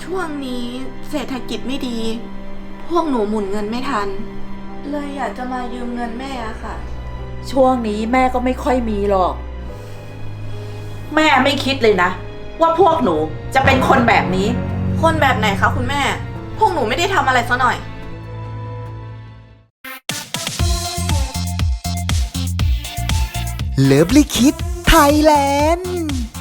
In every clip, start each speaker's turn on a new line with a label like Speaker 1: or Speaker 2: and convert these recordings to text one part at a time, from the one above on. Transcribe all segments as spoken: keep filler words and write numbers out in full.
Speaker 1: ช่วงนี้เศรษฐกิจไม่ดี พวกหนูหมุนเงินไม่ทัน เลยอยากจะมายืมเงินแม่อะค่ะ
Speaker 2: ช่วงนี้แม่ก็ไม่ค่อยมีหรอก แม่ไม่คิดเลยนะว่าพวกหนูจะเป็นคนแบบนี้
Speaker 1: คนแบบไหนคะคุณแม่ พวกหนูไม่ได้ทำอะไรซะหน่อย
Speaker 3: เลิฟลิคิดไทยแลนด์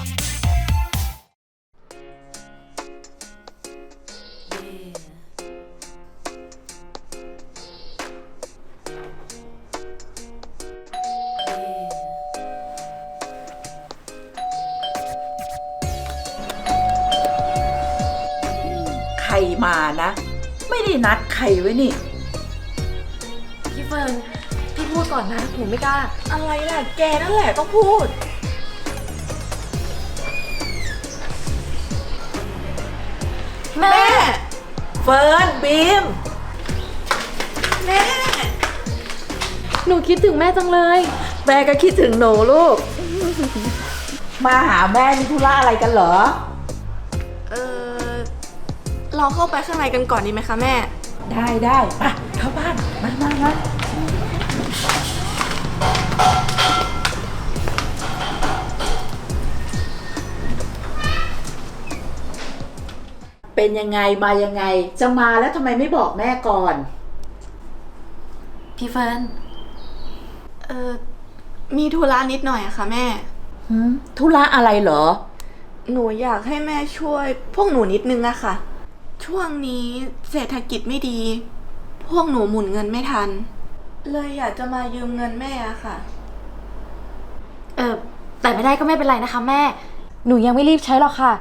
Speaker 2: ใครมานะ ไม่ได้นัดใครไว้นี่
Speaker 4: พี่เฟิร์นพี่พูดก่อนนะหนูไม่กล้า
Speaker 1: อะไรล่ะ แกนั่นแหละต้องพูด
Speaker 4: แม่
Speaker 2: เฟิร์นบีม
Speaker 1: แม่
Speaker 4: หนูคิดถึงแม่จังเลย
Speaker 2: แม่ก็คิดถึงหนูลูก มาหาแม่มีธุระอะไรกันเหรอ
Speaker 1: เออเราเข้าไปข้างในกันก่อนดีไหมคะแม่
Speaker 2: ได้ได้ไปเข้าบ้านมามามาเป็นยังไงมายังไง จะมาแล้วทำไมไม่บอกแม่ก่อน
Speaker 4: พี่เฟิร์น
Speaker 1: เออมีธุระนิดหน่อยอะค่ะแม่
Speaker 2: หืมธุระอะไรเหรอ
Speaker 1: หนูอยากให้แม่ช่วย พวกหนูนิดนึงอะค่ะ ช่วงนี้เศรษฐกิจไม่ดี พวกหนูหมุนเงินไม่ทัน เลยอยากจะมายืมเงินแม่อะค่ะ
Speaker 4: เออแต่ไม่ได้ก็ไม่เป็นไรนะคะแม่ หนูยังไม่รีบใช้หรอกค่ะ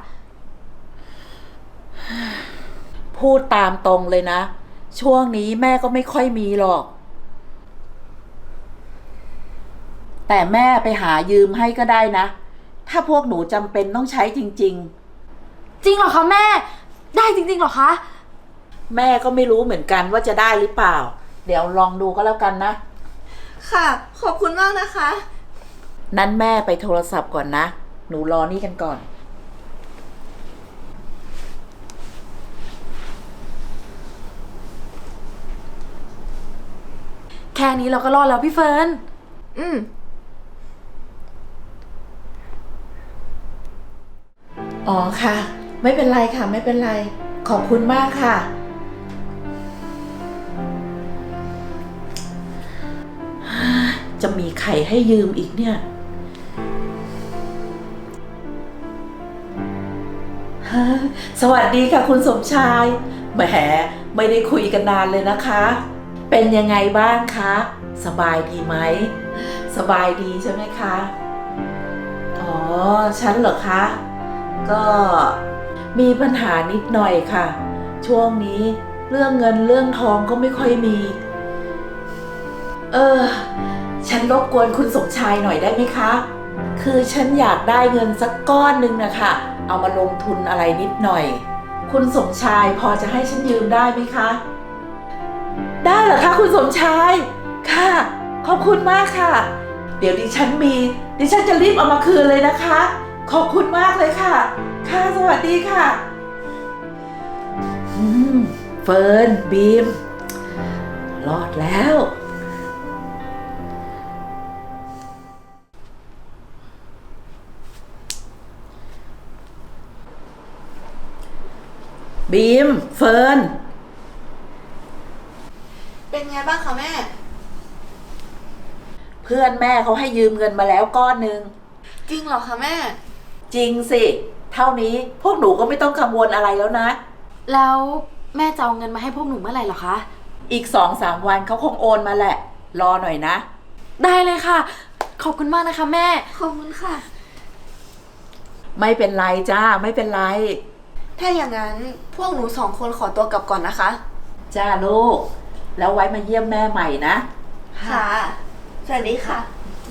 Speaker 2: พูดตามตรงเลยนะ ช่วงนี้แม่ก็ไม่ค่อยมีหรอก แต่แม่ไปหายืมให้ก็ได้นะ ถ้าพวกหนูจำเป็นต้องใช้จริง
Speaker 4: จริงเหรอคะแม่ ได้จริงๆเหรอคะ
Speaker 2: ๆ แม่ก็ไม่รู้เหมือนกันว่าจะได้หรือเปล่า เดี๋ยวลองดูก็แล้วกันนะ
Speaker 1: ค่ะ ขอบคุณมากนะคะ
Speaker 2: นั้นแม่ไปโทรศัพท์ก่อนนะ หนูรอนี่กันก่อน
Speaker 4: แค่นี้เราก็รอดแล้วพี่เฟิร์น
Speaker 1: อืม
Speaker 2: อ๋อค่ะ ไม่เป็นไรค่ะ ไม่เป็นไร ขอบคุณมากค่ะ จะมีใครให้ยืมอีกเนี่ยฮะสวัสดีค่ะคุณสมชายแหมไม่ได้คุยกันนานเลยนะคะ เป็นยังไงบ้างคะ สบายดีไหม สบายดีใช่ไหมคะ อ๋อ ฉันเหรอคะ ก็มีปัญหานิดหน่อยค่ะ ช่วงนี้เรื่องเงินเรื่องทองก็ไม่ค่อยมี เออ ฉันรบกวนคุณสมชายหน่อยได้ไหมคะ คือฉันอยากได้เงินสักก้อนหนึ่งนะคะเอามาลงทุนอะไรนิดหน่อย คุณสมชายพอจะให้ฉันยืมได้ไหมคะ ได้เหรอคะคุณสมชาย ค่ะ ขอบคุณมากค่ะ เดี๋ยวดิฉันมี ดิฉันจะรีบเอามาคืนเลยนะคะ ขอบคุณมากเลยค่ะ ค่ะสวัสดีค่ะ อืม เฟิร์นบีม รอดแล้ว บีม เฟิร์น
Speaker 1: เป็นไงบ้างคะแม่
Speaker 2: เพื่อนแม่เขาให้ยืมเงินมาแล้วก้อนหนึ่ง
Speaker 1: จริงเหรอคะแม่
Speaker 2: จริงสิ เท่านี้พวกหนูก็ไม่ต้องกังวลอะไรแล้วนะ
Speaker 4: แล้วแม่จะเอาเงินมาให้พวกหนูเมื่อไหร่เหรอคะ
Speaker 2: อีกสองสามวันเขาคงโอนมาแหละ รอหน่อยนะ
Speaker 4: ได้เลยค่ะ ขอบคุณมากนะคะแม่
Speaker 1: ขอบคุณค่ะ
Speaker 2: ไม่เป็นไรจ้า ไม่เป็นไร
Speaker 1: ถ้าอย่างนั้นพวกหนูสองคนขอตัวกลับก่อนนะคะ
Speaker 2: จ้าลูก แล้วไว้มาเยี่ยมแม่ใหม่นะ
Speaker 1: ค่ะ สวัสดีค่ะ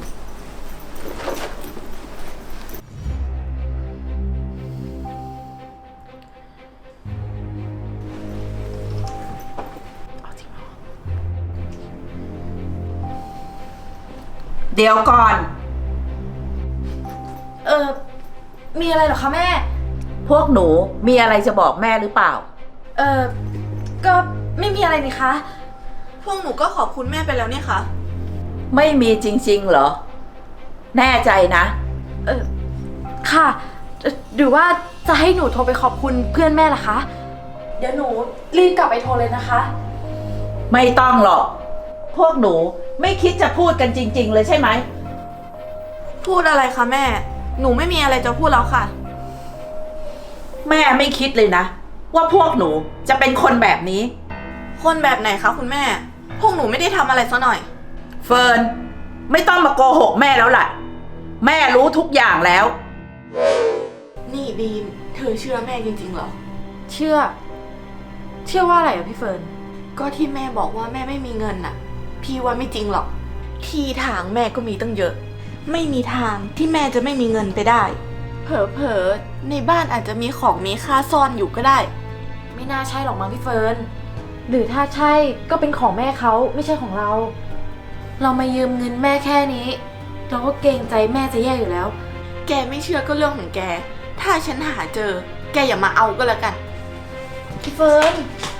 Speaker 2: เดี๋ยวก่อน
Speaker 4: เออมีอะไรเหรอคะแม่
Speaker 2: พพวกหนูมีอะไรจะบอกแม่หรือเปล่า
Speaker 4: เออก็ไม่มีอะไรนี่คะ
Speaker 1: พวกหนูก็ขอบคุณแม่ไปแล้วเนี่ยค่ะ
Speaker 2: ไม่มีจริงๆเหรอ แน่ใจนะ
Speaker 4: เออค่ะเอ่อหรือว่าจะให้หนูโทรไปขอบคุณเพื่อนแม่ล่ะคะ เดี๋ยวหนูรีบกลับไปโทรเลยนะคะ
Speaker 2: ไม่ต้องหรอก พวกหนูไม่คิดจะพูดกันจริงๆเลยใช่ไหม
Speaker 1: พูดอะไรคะแม่ หนูไม่มีอะไรจะพูดแล้วค่ะ
Speaker 2: แม่ไม่คิดเลยนะ ว่าพวกหนูจะเป็นคนแบบนี้
Speaker 1: คนแบบไหนคะคุณแม่ พวกหนูไม่ได้ทำอะไรซะหน่อย
Speaker 2: เฟิร์นไม่ต้องมาโกหกแม่แล้วล่ะ แม่รู้ทุกอย่างแล้ว
Speaker 1: นี่บีม เธอเชื่อแม่จริงๆเหรอ
Speaker 4: เชื่อ เชื่อว่าอะไรอ่ะพี่เฟิร์น
Speaker 1: ก็ที่แม่บอกว่าแม่ไม่มีเงินน่ะ พี่ว่าไม่จริงหรอก ที่ทางแม่ก็มีตั้งเยอะ ไม่มีทางที่แม่จะไม่มีเงินไปได้ เผลอๆในบ้านอาจจะมีของมีค่าซ่อนอยู่ก็ได้
Speaker 4: ไม่น่าใช่หรอกมั้งพี่เฟิร์น หรือถ้าใช่ก็เป็นของแม่เขาไม่ใช่ของเรา เรามายืมเงินแม่แค่นี้ เราก็เกรงใจแม่จะแย่อยู่แล้ว
Speaker 1: แกไม่เชื่อก็เรื่องของแก ถ้าฉันหาเจอ แกอย่ามาเอาก็แล้วกัน
Speaker 4: พี่เฟิร์น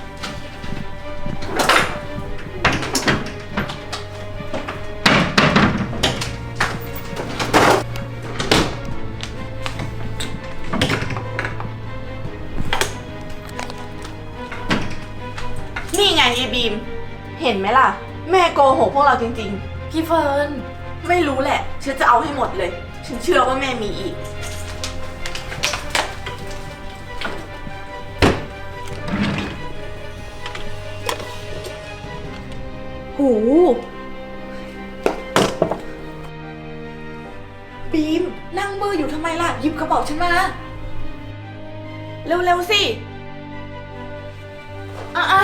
Speaker 1: นี่ไงยายบีม เห็นไหมล่ะ แม่โกหกพวกเราจริง
Speaker 4: พี่เฟิร์น
Speaker 1: ๆ ไม่รู้แหละ ฉันจะเอาให้หมดเลย ฉันเชื่อว่าแม่มีอีก หู บีม นั่งเบอร์อยู่ทำไมล่ะ หยิบกระเป๋าฉันมา เร็ว ๆ สิ อ่ะอ่ะ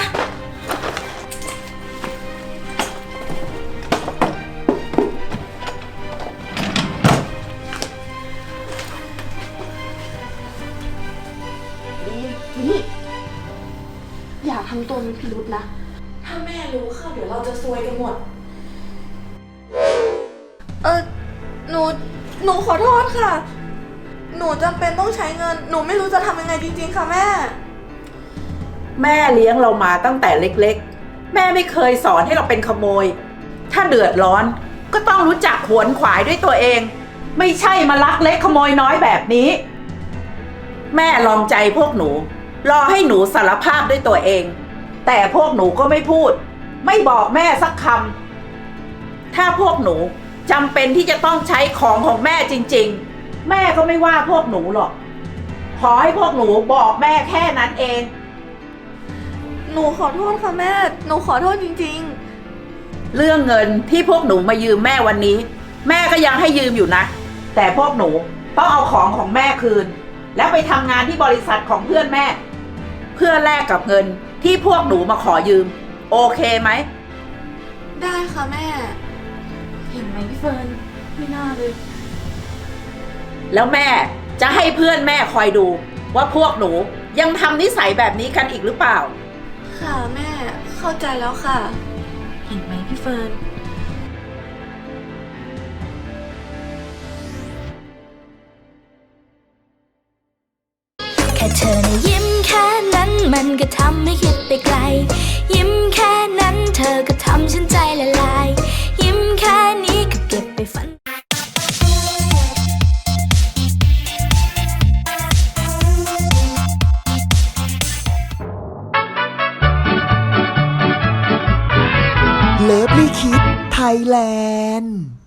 Speaker 1: บีมนี่ อย่าทำตัวมีพิรุษนะ ถ้าแม่รู้เข้าเดี๋ยวเราจะซวยกันหมด เออหนู หนูขอโทษค่ะ หนูจำเป็นต้องใช้เงิน หนูไม่รู้จะทำยังไงจริงๆค่ะแม่
Speaker 2: แม่เลี้ยงเรามาตั้งแต่เล็กๆ แม่ไม่เคยสอนให้เราเป็นขโมย ถ้าเดือดร้อนก็ต้องรู้จักขวนขวายด้วยตัวเอง ไม่ใช่มาลักเล็กขโมยน้อยแบบนี้ แม่ลองใจพวกหนู รอให้หนูสารภาพด้วยตัวเอง แต่พวกหนูก็ไม่พูด ไม่บอกแม่สักคำถ้าพวกหนูจำเป็นที่จะต้องใช้ของของแม่จริงๆ แม่ก็ไม่ว่าพวกหนูหรอก ขอให้พวกหนูบอกแม่แค่นั้นเอง
Speaker 1: หนูขอโทษค่ะแม่ หนูขอโทษจริง
Speaker 2: เรื่องเงินที่พวกหนูมายืมแม่วันนี้ แม่ก็ยังให้ยืมอยู่นะ แต่พวกหนูต้องเอาของของแม่คืน แล้วไปทำงานที่บริษัทของเพื่อนแม่ เพื่อแลกกับเงินที่พวกหนูมาขอยืม โอเคไหม
Speaker 1: ๆ ได้ค่ะแม่
Speaker 4: เห็นไหมพี่เฟิร์น ไม่น่าเลย
Speaker 2: แล้วแม่จะให้เพื่อนแม่คอยดู ว่าพวกหนูยังทำนิสัยแบบนี้กันอีกหรือเปล่า
Speaker 1: ค่ะแม่ เข้าใจแล้วค่ะ
Speaker 4: เห็นไหมพี่เฟิร์น
Speaker 5: แค่เธอนะยิ้มแค่นั้นมันก็ทำให้คิดไปไกล ยิ้มแค่นั้นเธอก็ทำฉันใจละลาย ยิ้มแค่นี้ก็เก็บไปฝัน
Speaker 3: เลิฟลี่คิดไทยแลนด์